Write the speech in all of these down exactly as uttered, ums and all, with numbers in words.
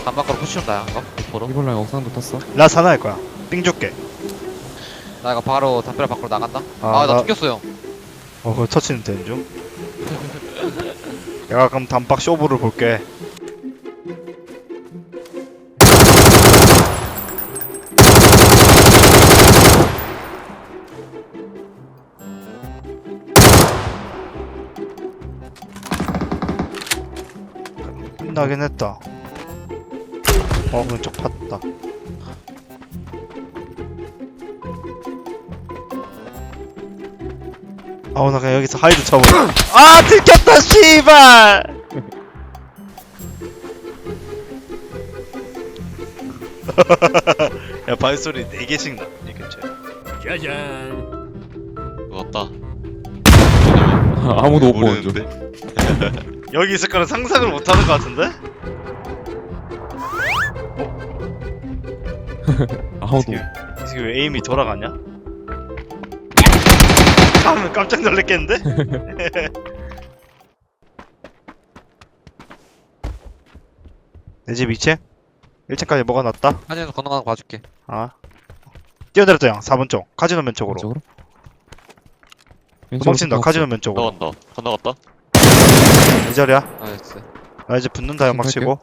단막으로 푸시온다 이거 보러. 이번 라인 옥상도 탔어. 나 사나 할 거야. 삥 줄게. 나 이거 바로 담벼락 밖으로 나간다. 아, 아나 나- 죽였어 형. 어, 그거 터치는 되는 중. 내가 그럼 단박 쇼부를 볼게. 끝나긴 했다. 어, 왼쪽 팠다. 아우, 나 그냥 여기서 하이드 쳐버려. 아, 들켰다, 씨발! 야, 발소리 네 개씩 나, 이 근처에. 왔다. 아무도 못 보는 중. 여기 있을 거는 상상을 못 하는 것 같은데? 아무도. 지금, 지금 왜 에임이 돌아가냐? 하면 깜짝 놀랐겠는데? 내 집 이 층? 일 층까지 뭐가 났다? 한현수 건너가는 거 봐줄게. 아. 뛰어내렸다, 형. 사 번 쪽. 카지노 면 쪽으로. 왼쪽으로? 도망친다, 카지노 면 쪽으로. 건너간다. 건너갔다. 이 자리야. 나이스. 나 이제 붙는다, 연막 치고.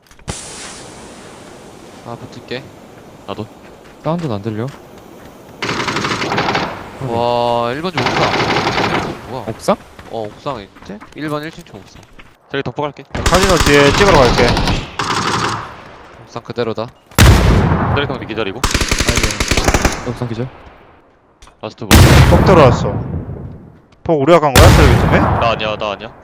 아 붙을게. 나도. 사운드는 안 들려? 와 일 번 좀 옥상. 뭐야? 옥상? 어 옥상에 있지? 일 번 일 층 쪽 옥상. 저기 덮어 갈게. 카지노 뒤에 찍으러 갈게. 옥상 그대로다. 쓰레기통 뒤 기다리고. 옥상 기절? 라스트 볼. 폭 들어왔어. 폭 우리가 간 거야? 쓰레기통에? 나 아니야, 나 아니야.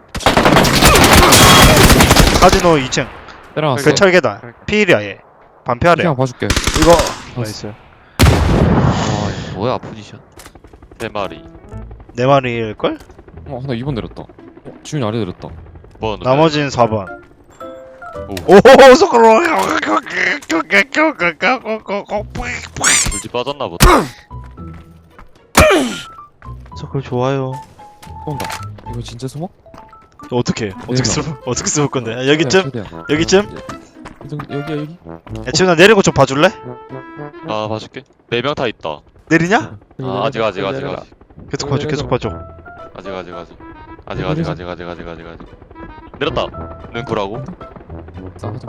카지노 이 층. 때려놨어. 그 철계단. 피일이야, 얘. 반피하래. 그냥 봐줄게. 이거. 나이스. 와 이거 뭐야 포지션. 세 마리. 네 마리일걸? 어, 하나 이 번 내렸다. 어, 지훈이 아래 내렸다. 뭐 나머지는 사 번. 오. 오호호, 속으로. 물집 빠졌나 보다. 서클 좋아요. 쏜다. 이거 진짜 숨어? 어떻게? 어떻게 내려. 쓰 어떻게 쓸 건데? 아, 여기쯤? 최대한. 여기쯤? 여기, 여기야 여기. 야, 지금 나 내리고 좀 봐줄래? 아, 봐줄게. 네 명 다 있다. 내리냐? 아, 아직, 아직, 아직, 아직. 계속 봐줘, 계속 봐줘. 아직, 아직, 아직. 아직, 아직, 아직, 아직, 아직, 아직, 아직. 내렸다. 눈구라고. 싸가자.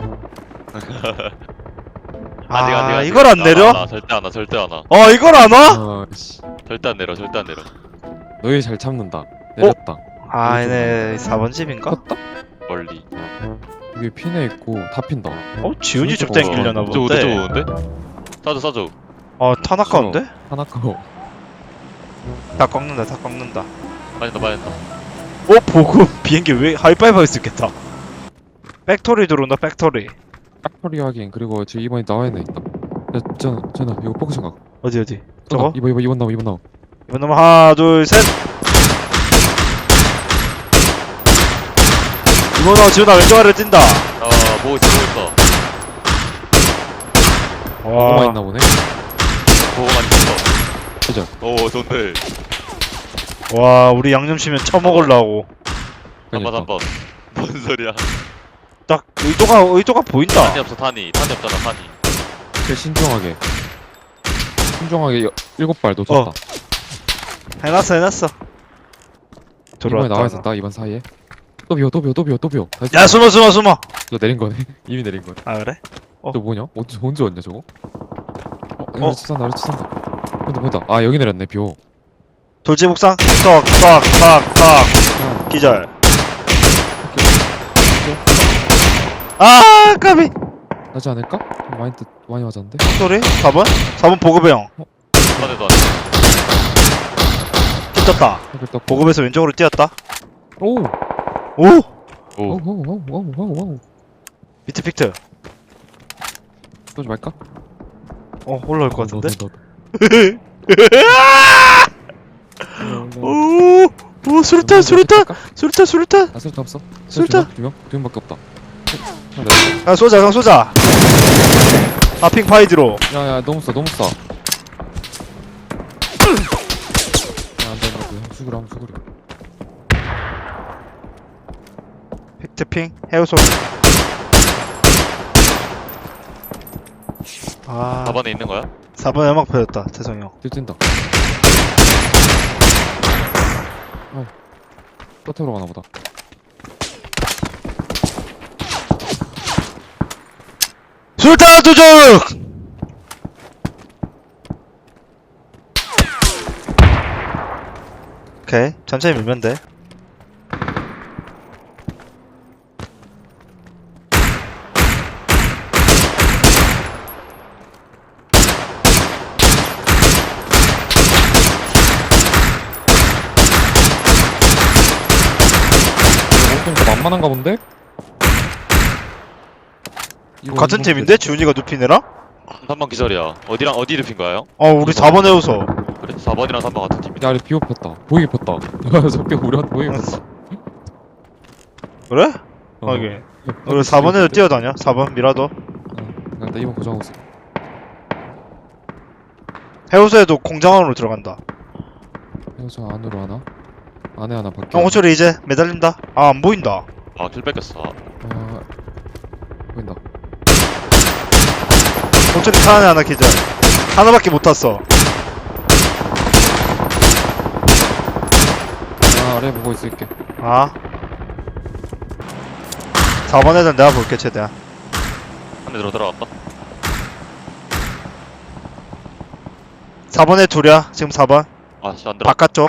아, 아직, 아직, 아직. 이걸 안 나, 내려? 나, 나, 절대 안 와, 절대 안 와. 어, 이걸 안 와? 아, 씨. 절대 안 내려, 절대 안 내려. 너희 잘 참는다. 내렸다. 아, 얘네 사 번 집인가? 컸다? 멀리. 여기 피네 있고 다 핀다. 어, 지훈이 좀 진짜 땡기려나 저 본데. 좋은데, 좋은데? 싸줘, 싸줘. 어, 탄 아까운데? 하나 까고. 다 꺾는다, 다 꺾는다. 많이 나, 많이 나. 어, 보고 비행기 왜 하이파이브 할 수 있겠다. 팩토리 들어온다, 팩토리. 깍터리 확인. 그리고 지금 이번에 나와 있는 애 있다. 야, 전화, 전화. 이거 포커싱 각. 어디, 어디? 저거? 이번 이번 이번 나와 이번 나와. 이번 놈 하나, 둘, 셋. 이번 놈 지훈아 왼쪽 아래로 뛴다. 아, 보고 있어, 보고 있어. 뭐가 와, 있나 보네. 보고 많이 있어. 그죠? 오, 좋네. 와, 우리 양념치면 처먹으려고. 한번, 한번. 뭔 소리야. 딱 의도가 의도가 보인다. 탄이 없어, 탄이. 탄이 없잖아, 탄이. 그 신중하게. 신중하게 여, 일곱 발 놓쳤다. 어. 해놨어, 해놨어. 이번에 들어왔다. 나와 있었다. 이번 사이에. 또 비워 또 비워 또 비워 또 비워. 다시 야, 숨어, 숨어, 숨어. 저 내린 거네. 이미 내린 거네. 아, 그래? 어. 저 뭐냐? 언제 언제 왔냐 저거? 어, 어? 아래치 산다 아래치 산다. 근데 뭐다? 아 여기 내렸네 비오. 돌지 목상. 턱, 턱, 턱, 턱. 기절. 아, 까비. 나지 않을까? 좀 많이 뜻 많이 맞았는데. 소리? 사 번? 사 번 보급의 형. 탄에도 안 돼. 찢었다. 일단 보급에서 왼쪽으로 뛰었다. 오. 오! 오. 오오오오오오오. 비트 픽트. 쏘지 말까? 어, 올라올 것 같은데? 오. 오! 오, 수류탄, 수류탄! 수류탄, 수류탄! 아 수류탄 없어? 수류탄! 두 명? 두 명밖에 없다. 야, 쏘자, 형 쏘자! 아, 핑 파이드로. 야야 너무 써 너무 써. 야 안돼 안돼 수그려 한번 수그려. 픽트 핑, 헤어소. 아 사 번에 있는 거야? 사 번에 음악 펴졌다 태성이 형. 뛰어뛴다. 어. 끝으로 가나 보다. 술탄 도적! 오케이 천천히 밀면 돼. 좀 만만한가 본데? 이거 같은 이거 팀인데? 지훈이가 눕히느라? 삼 번 기절이야. 어디랑 어디 눕힌 거야 형? 어 우리 사 번 해우서. 그래? 사 번이랑 삼 번 같은 팀이다. 야, 아래 비오 폈다. 보이게 폈다. 저게 우리한테 보이게 폈다. 그래? 어. 하긴 우리 사 번에도 뛰어다녀. 사 번 미라도. 어, 그냥 나 이번 고정하고 있어. 해우소에도 공장 안으로 들어간다. 이거 저 안으로 하나? 안에 하나 밖에. 형 호철이 이제 매달린다. 아 안 보인다. 아, 킬 뺏겼어. 아, 보인다. 호철이 차 안에 하나 기절. 하나밖에 못 탔어. 아, 아래 보고 있을게. 아 사 번 애들 내가 볼게 최대한. 한 대 들어 들어갔다. 사 번에 둘이야 지금 사 번 아, 씨, 안 들어. 바깥쪽.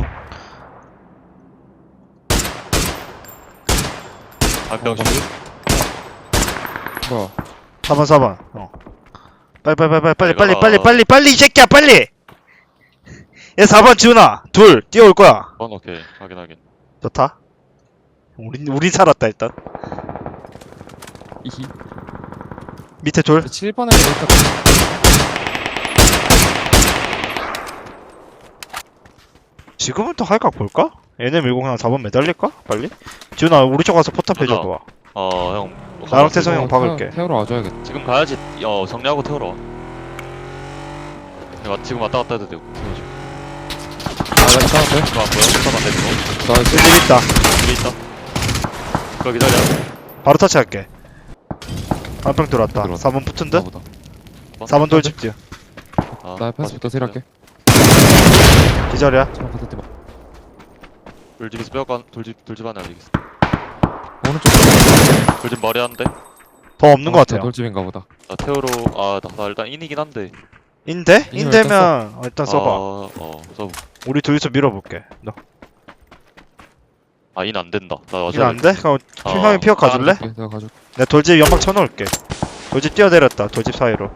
한병 어, 슛. 뭐야? 사 번 사 번 어. 빨리 빨리 빨리 빨리 빨리 내가- 빨리 빨리 빨리 이 새끼야 빨리. 얘 사 번 지훈아 둘 뛰어올 거야. 번 오케이. 확인 확인. 좋다. 우리 우리 살았다 일단. 이히. 밑에 둘. 칠 번에 일단 지금은 또 할각 볼까? 얘네 밀고 그냥 사 번 매달릴까? 빨리? 지훈아 우리 쪽 가서 포탑 맞아. 해줘봐. 어, 형. 나랑 태성이 형 박을게. 태우러 와줘야겠다. 지금 가야지. 어, 정리하고 태우러 와. 야, 지금 왔다 갔다 해도 되고. 태워줘. 아, 나 이따 돼? 이거 안 보여? 일단 안 되고. 나 이제 여기 있다. 여기 있다. 그거 기다려. 바로 터치할게. 한 병 들어왔다. 들어왔다. 사 번 붙은 듯? 보다. 사 번 돌집 뒤. 아, 나 패스부터 세일할게. 기절이야. 처음 갔을 때 봐. 돌집에서 빼앗간 돌집 돌집 하나 여기 있어. 오른쪽. 돌집 머리 한대. 더 없는 것 같아요. 돌집인가 보다. 나 태우러 아, 나, 나 일단 인이긴 한데. 인데? 이걸 인되면 어, 일단 써봐. 어, 어, 써봐. 우리 둘이서 밀어볼게. 너. 아, 인 안 된다. 나 어제 일 안 돼? 그럼 어. 형이 피어 가줄래? 가줄게, 내가 가줄게. 내가 돌집 연막 쳐놓을게. 돌집 뛰어내렸다. 돌집 사이로.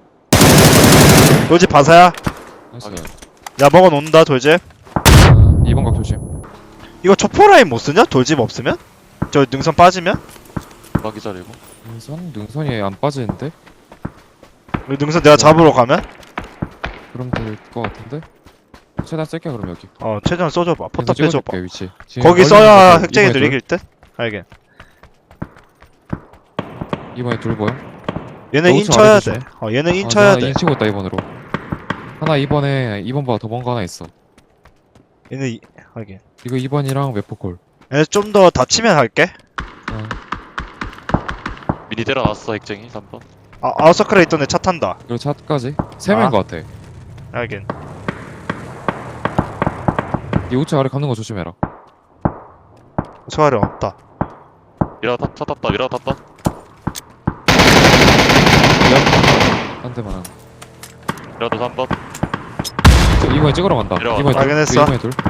돌집 바사야. 나이스. 확인. 야 먹어놓는다 돌집. 아, 이 번 각 조심. 이거 초포라인 못 쓰냐? 돌집 없으면? 저 능선 빠지면? 막 기다리고. 능선? 능선이 안 빠지는데? 우리 능선 내가 잡으러 가면? 그럼 될 것 같은데? 최대한 쓸게 그럼 여기. 어 최대한 써줘봐. 포탑 그래서 빼줘봐. 찍어줄게, 위치. 지금 거기 멀리 써야 있는 거 핵쟁이들 이번에 이길 듯? 알겠. 둘? 이번에 둘 보여? 얘네 어, 인 우측 쳐야 아래 돼. 조심. 어 얘네 인 아, 쳐야 나 돼. 인 치고 있다 이번으로. 하나 이번에 이 번보다 더 먼 거 하나 있어. 얘네 이... 하긴. 이거 이 번이랑 웨포콜. 얘네 좀 더 다치면 할게. 어, 미니 때려놨어 핵쟁이 삼 번. 아 아웃서클에 있던 애 차 탄다. 그리고 차까지 세 명인 아. 것 같아. 알긴. 이 우측 아래 감는 거 조심해라. 소화리 없다. 미라 탔, 차 탔다. 미라 탔다. 한 대만 한. 미라도 삼 번. 저 이번에 찍으러 간다. 내려와. 이번에 둘. 확인했어. 이번에 둘.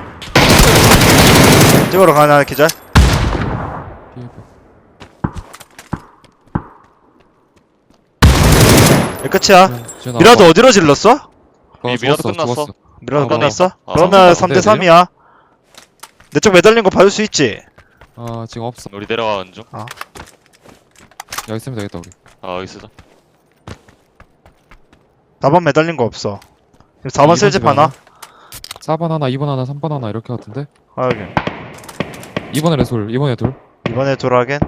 찍으러 가나 기절. 피해봐. 얘 끝이야. 지금 미라도 어디로 질렀어? 어, 미- 미라도 죽었어, 끝났어. 죽었어. 미라도 아, 끝났어? 아, 그러면 삼 삼 대 대 삼이야. 내 쪽 매달린 거 봐줄 수 있지? 아 지금 없어. 우리 내려가는 중. 여기 있으면 되겠다 우리. 아, 여기 쓰자. 사 번 매달린 거 없어. 사 번 쓸집 하나? 사 번 하나, 이 번 하나, 삼 번 하나 이렇게 같은데? 하긴. 이번에 레솔, 이번에 둘. 이번에 돌아겐.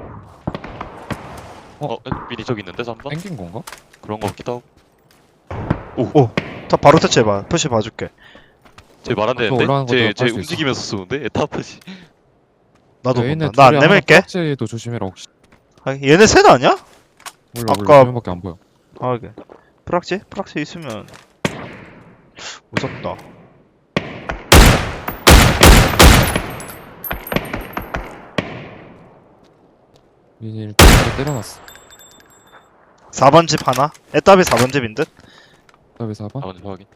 어, 미니 저기 있는데 삼 번? 땡긴 건가? 그런 거 같기도 하고. 오. 다 바로 터치해봐. 푸시 봐줄게. 쟤 말 안 또 올라가는 되는데? 것도 쟤, 쟤 할수 있어. 움직이면서 쏘는데? 에타프지. 나도 얘네 본다. 나 안 둘이 하나 내밀게. 깍지도 조심해라 혹시. 하긴. 얘네 셋 아니야? 몰라 아까- 몰라. 두 명밖에 안 보여. 하긴. 프락지? 프락지 있으면 무섭다. 민이 일단 때려놨어. 사 번 집 하나? 애답이 사 번 집인 듯? 답이 사 번. 아 먼저 확인.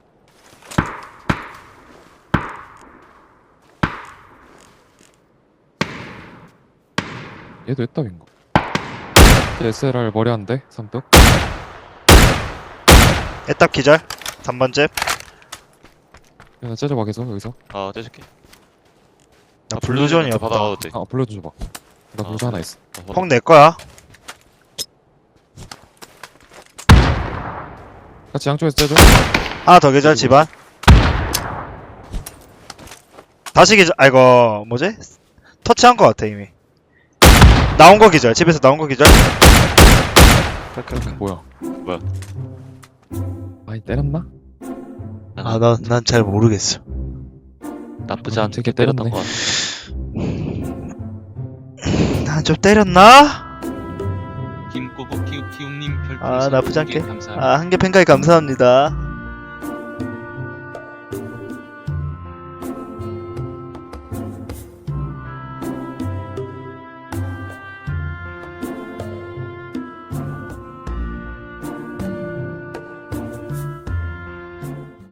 얘도 애답인가? 에스엘알 머리 한 대, 삼뚝. 애답 기절? 삼 번 집? 하나 째려봐 계속 여기서. 아 떼줄게. 나 아, 블루존이었다. 받아가도 돼. 아 불러줘 줘봐. 나 아, 불자 하나 있어. 어, 받아. 폭 내 거야. 같이 양쪽에서 째줘. 하나 더 기절 집안. 다시 기절. 아이고 뭐지? 터치한 거 같아 이미. 나온 거 기절. 집에서 나온 거 기절. 오케이, 오케이. 뭐야? 뭐야? 아니 때렸나? 아, 난, 난 잘 모르겠어. 나쁘지 음, 않게 되게 때렸던 때렸네. 것 같아. 난 좀 때렸나? 김꼬북 키우키우님 별풍선 아, 나쁘지 두 개 않게. 감사합니다. 아, 한 개 팬가이 감사합니다.